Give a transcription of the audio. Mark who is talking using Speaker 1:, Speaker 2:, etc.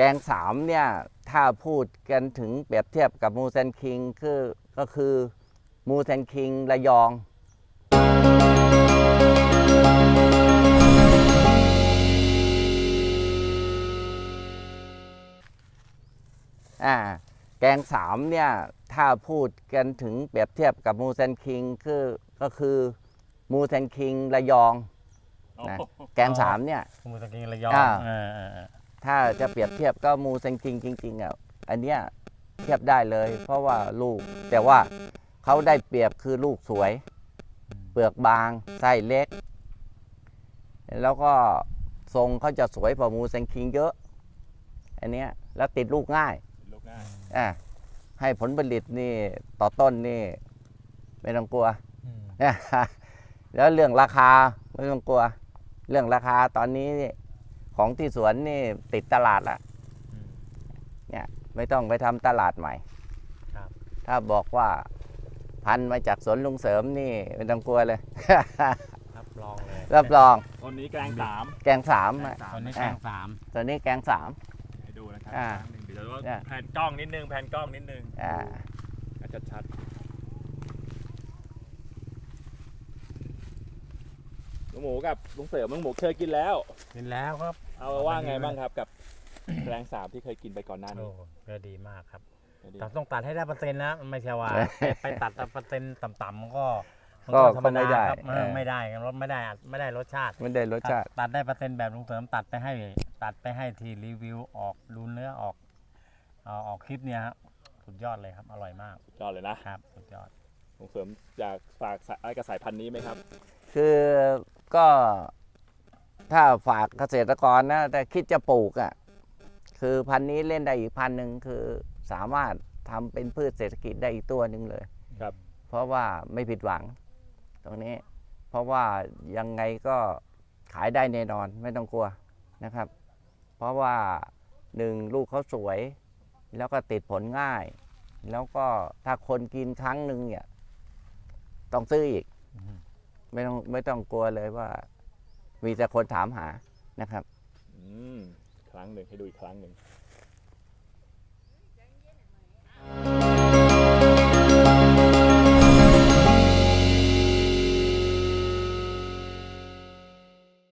Speaker 1: กงสามเนี่ยถ้าพูดกันถึงเปรียบเทียบกับมูเซนคิงก็คือมูเซนคิงระยองแกงสามเนี่ยถ้าพูดกันถึงเปรียบเทียบกับมูเซนคิงก็คือมูเซนคิงระยองนะแกงสามเนี่ย
Speaker 2: มูเซนคิงระยอง
Speaker 1: ถ้าจะเปรียบเทียบก็มูเซนคิงจริงๆอ่ะอันเนี้ยเทียบได้เลยเพราะว่าลูกแต่ว่าเขาได้เปรียบคือลูกสวยเปลือกบางไส้เล็กแล้วก็ทรงเขาจะสวยกว่ามูเซนคิงเยอะอันเนี้ยแล้วติดลูกง่ายให้ผลผลิตนี่ต่อต้นนี่ไม่ต้องกลัวแล้วเรื่องราคาไม่ต้องกลัวเรื่องราคาตอนนี้ของที่สวนนี่ติดตลาดละเนี่ยไม่ต้องไปทำตลาดใหม่ถ้าบอกว่าพันมาจากสวนลุงเสริมนี่ไม่ต้องกลัวเลย
Speaker 2: รับรองเลย
Speaker 1: รับรอง
Speaker 3: ตอนนี้แกงสาม
Speaker 1: แกงสาม
Speaker 2: ตอนนี้แกงสาม
Speaker 1: ตอนนี้แกงสาม
Speaker 3: ให้ดูนะครับเดี๋ยวเราแผ่นกล้องนิดนึงชัดลุงหมูกับลุงเสริมลุงหมูเคยกินแล้ว
Speaker 2: ครับ
Speaker 3: เอาว่าไงบ้างครับกับแกงสามที่เคยกินไปก่อนหน้านี้
Speaker 2: ก็ดีมากครับแต่ต้องตัดให้ได้เปอร์เซ็นต์นะไม่ใช่ว่าไปตัดเปอร์เซ็นต์ต่ำๆก็ธรรมดาครับไม่ได้รสไม่ได้รสชาติตัดได้เปอร์เซ็นต์แบบลุงเสริมตัดไปให้ทีรีวิวออกดูเนื้อออกคลิปเนี่ยครับสุดยอดเลยครับอร่อยมาก
Speaker 3: สุดยอดเลยนะครับ
Speaker 2: สุดยอด
Speaker 3: ลุงเสริมอยากฝากอะไรกับสายพันธุ์นี้ไหมครับ
Speaker 1: คือก็ถ้าฝากเกษตรกรนะแต่คิดจะปลูกคือพันธุ์นี้เล่นได้อีกพันธุ์หนึ่งคือสามารถทำเป็นพืชเศรษฐกิจได้อีกตัวหนึ่งเลย
Speaker 3: ครับ
Speaker 1: เพราะว่าไม่ผิดหวังตรงนี้เพราะว่ายังไงก็ขายได้แน่นอนไม่ต้องกลัวนะครับเพราะว่า1ลูกเขาสวยแล้วก็ติดผลง่ายแล้วก็ถ้าคนกินครั้งหนึ่งเนี่ยต้องซื้ออีกไม่ต้องกลัวเลยว่ามีแต่คนถามหานะครับ
Speaker 3: ครั้งหนึ่งให้ดูอีกครั้งหนึ่ง